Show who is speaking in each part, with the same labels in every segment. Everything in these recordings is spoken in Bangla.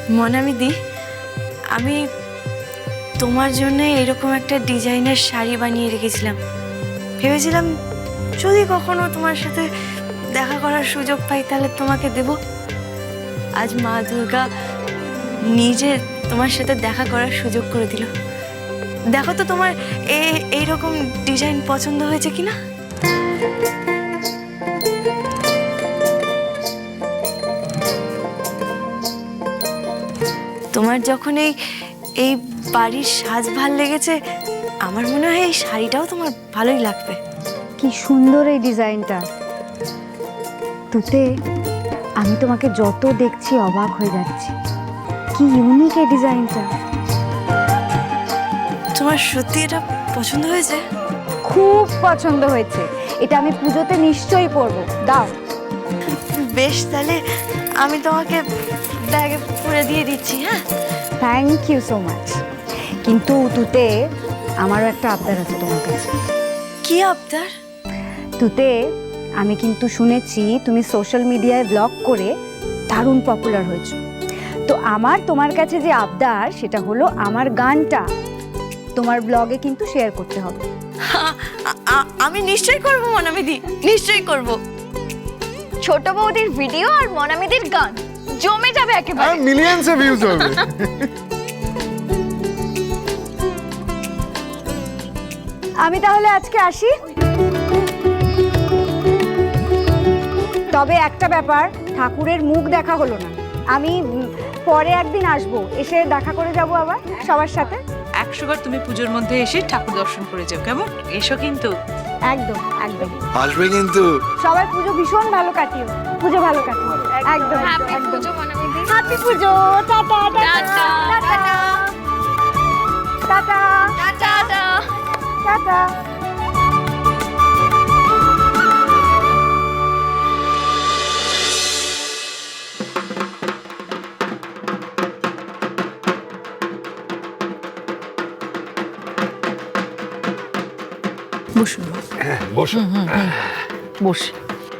Speaker 1: মনামিদি, আমি তোমার জন্য এরকম একটা ডিজাইনের শাড়ি বানিয়ে রেখেছিলাম। ভেবেছিলাম যদি কখনো তোমার সাথে দেখা করার সুযোগ পাই তাহলে তোমাকে দেব। আজ মা দুর্গা নিজে তোমার সাথে দেখা করার সুযোগ করে দিল। দেখো তো তোমার এইরকম ডিজাইন পছন্দ হয়েছে কিনা। তোমার যখন এই বাড়ির সাজ ভাল লেগেছে, আমার মনে হয় এই শাড়িটাও তোমার ভালোই লাগবে।
Speaker 2: কি সুন্দর এই ডিজাইনটা। তুতে, আমি তোমাকে যত দেখছি অবাক হয়ে যাচ্ছি। কি ইউনিক এই ডিজাইনটা।
Speaker 1: তোমার সত্যি এটা পছন্দ হয়েছে?
Speaker 2: খুব পছন্দ হয়েছে। এটা আমি পুজোতে নিশ্চয়ই পরবো। দাও।
Speaker 1: বেশ, তাহলে আমি তোমাকে ব্যাগে পুরে দিয়ে দিচ্ছি। হ্যাঁ,
Speaker 2: থ্যাংক ইউ সো মাচ। কিন্তু তুতে, আমারও একটা আবদার আছে তোমার কাছে।
Speaker 1: কি আবদার?
Speaker 2: তুতে, আমি কিন্তু শুনেছি তুমি সোশ্যাল মিডিয়ায় ব্লগ করে দারুণ পপুলার হয়েছো। তো আমার তোমার কাছে যে আবদার সেটা হলো আমার গানটা তোমার ব্লগে কিন্তু শেয়ার করতে হবে।
Speaker 1: আমি নিশ্চয়ই করবো মনামিদি, নিশ্চয়ই করব।
Speaker 3: ছোট বৌদির ভিডিও আর মনামিদির গান জমে যাবে একেবারে।
Speaker 4: মিলিয়নসে ভিউজ হবে।
Speaker 2: আমি তাহলে আজকে আসি। তবে একটা ব্যাপার, ঠাকুরের মুখ দেখা হলো না। আমি পরে একদিন আসবো, এসে দেখা করে যাব আবার সবার সাথে।
Speaker 5: 100 বার তুমি পুজোর মধ্যে এসে ঠাকুর দর্শন করে যাও, কেমন? এসো কিন্তু।
Speaker 2: একদম একদম
Speaker 4: আসবে কিন্তু।
Speaker 2: সবাই পুজো ভীষণ ভালো কাটিও। পুজো ভালো কাটিও। একদম
Speaker 3: হ্যাপি
Speaker 2: একদম।
Speaker 3: পুজো মনামিদি।
Speaker 2: Happy Pujo. Tata tata tata tata
Speaker 3: tata.
Speaker 2: Tata.
Speaker 5: বসুন
Speaker 4: হ্যাঁ, বসো।
Speaker 5: বসে।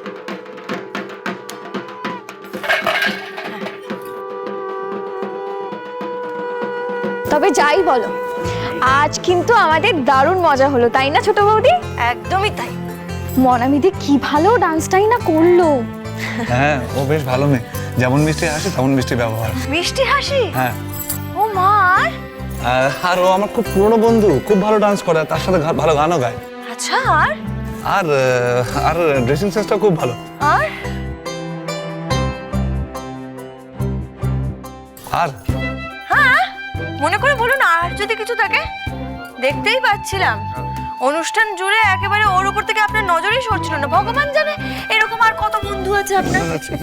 Speaker 3: তবে যাই বলো, আজ কিন্তু আমাদের দারুণ মজা হলো, তাই না ছোট বৌদি?
Speaker 1: একদমই তাই।
Speaker 3: মনামিদি কি ভালো ডান্সটাই না করলো।
Speaker 6: হ্যাঁ, ও বেশ ভালো মেয়ে। যেমন মিষ্টি হাসি তেমন মিষ্টি ব্যবহার।
Speaker 1: মিষ্টি হাসি?
Speaker 6: হ্যাঁ।
Speaker 1: ও মার।
Speaker 6: আর ও আমার খুব পুরনো বন্ধু, খুব ভালো ডান্স করে, তার সাথে ভালো গানও গায়।
Speaker 1: আচ্ছা, আর
Speaker 6: আর আর ড্রেসিং সেন্সটা খুব ভালো।
Speaker 1: আর
Speaker 6: আর
Speaker 1: হ্যাঁ, মনে করে বলুন আর যদি কিছু থাকে। দেখতেই পাচ্ছিলাম অনুষ্ঠান জুড়ে একেবারে ওর উপর থেকে আপনার নজরই সরছিল না। ভগবান জানে এরকম আর কত বন্ধু আছে আপনার।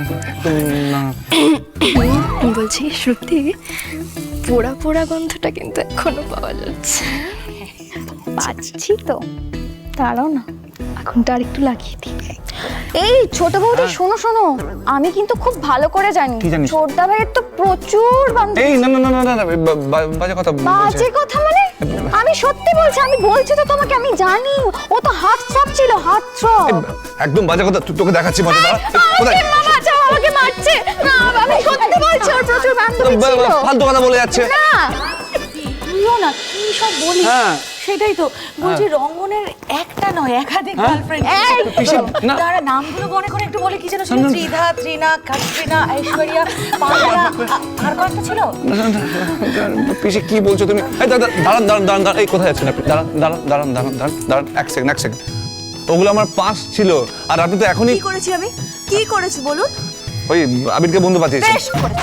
Speaker 3: বলছি সত্যি পোড়া পোড়া গন্ধটা কিন্তু এখনো পাওয়া যাচ্ছে। পাচ্ছি তো, দাঁড়াও না, এখনটা আর একটু লাগিয়ে দিই। এই ছোট বৌদি, শোনো শোনো, আমি কিন্তু খুব ভালো করে জানি
Speaker 6: কি জানিস?
Speaker 3: ছোটদা ভাইয়ের তো প্রচুর বান্ধবী।
Speaker 6: এই না না না না না, বাজে কথা
Speaker 3: বাজে কথা মানে? আমি সত্যি বলছি, আমি বলছি তো তোমাকে, আমি জানি। ও তো হাত ছপ ছিল, হাত ছপ।
Speaker 6: একদম বাজে কথা। তোকে দেখাচ্ছি মজা। দাঁড়া। কোথায়?
Speaker 3: মা বাঁচাও, আমাকে মারছে। না, আমি সত্যি বলছি, ওর প্রচুর বান্ধবী ছিল।
Speaker 6: ফালতু কথা বলে যাচ্ছে।
Speaker 3: না,
Speaker 1: তুইও না কি সব বলিস।
Speaker 6: হ্যাঁ।
Speaker 1: সেটাই তো বলছি, রঙ্গনের একটা নয় একাধিক গার্লফ্রেন্ড। তারা নামগুলো মনে করে একটু বলে, কি যেন ছিল? ত্রিধা, ত্রিনা, কাটরিনা, ঐশ্বরিয়া, পাগলা, আর কত ছিল?
Speaker 6: পিসি কি বলছো তুমি? এই দাঁড়ান দাঁড়ান দাঁড়ান দাঁড়ান। এই কোথায় আছেন আপনি? দাঁড়ান দাঁড়ান দাঁড়ান দাঁড়ান দাঁড়ান দাঁড়ান। এক সেকেন্ড। ওগুলো আমার পাস ছিল, আর আপনি তো এখনই।
Speaker 1: কি করেছি আমি? কি করেছি বলুন?
Speaker 6: ওই আবিরকে বন্ধু পাঠিয়েছেন।
Speaker 1: বেশ করেছি।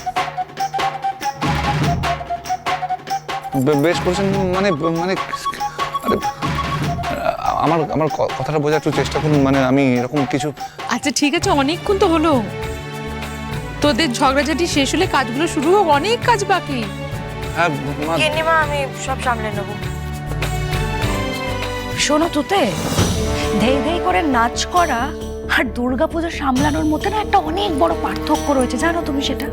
Speaker 6: বেশ করেছেন মানে মানে আরে আমার আমার কথাটা বোঝার একটু চেষ্টা করুন। মানে আমি এরকম কিছু।
Speaker 5: আচ্ছা ঠিক আছে, অনেকক্ষণ তো হলো। তোদের ঝগড়াঝাটি শেষ হলে কাজগুলো শুরু হোক, অনেক কাজ বাকি।
Speaker 6: হ্যাঁ মা।
Speaker 1: গিন্নিমা, আমি সব সামলে নেব। শোনো তুতে, ধেই ধেই করে নাচ করা আর দুর্গাপূজা সামলানোর মধ্যে না একটা অনেক বড় পার্থক্য রয়েছে, জানো তুমি সেটা?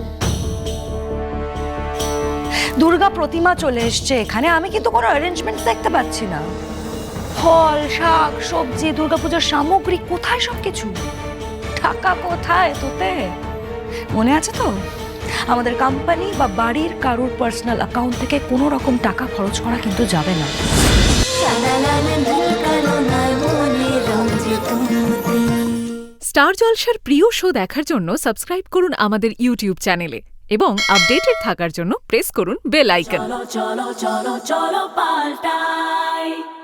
Speaker 1: দুর্গা প্রতিমা চলে এসছে এখানে, আমি কিন্তু কোনো অ্যারেঞ্জমেন্ট দেখতে পাচ্ছি না। ফল, শাক, সবজি, দুর্গাপূজার সামগ্রী, কোথায় সবকিছু? টাকা কোথায় তোতে? মনে আছে তো
Speaker 7: আমাদের কোম্পানি বা বাড়ির কারোর পার্সোনাল অ্যাকাউন্ট থেকে কোনো রকম টাকা খরচ করা কিন্তু যাবে না।
Speaker 8: স্টার জলসার প্রিয় শো দেখার জন্য সাবস্ক্রাইব করুন আমাদের ইউটিউব চ্যানেলে এবং আপডেটেড থাকার জন্য প্রেস করুন বেল আইকন।
Speaker 9: চলো চলো চলো চলো পাল্টাই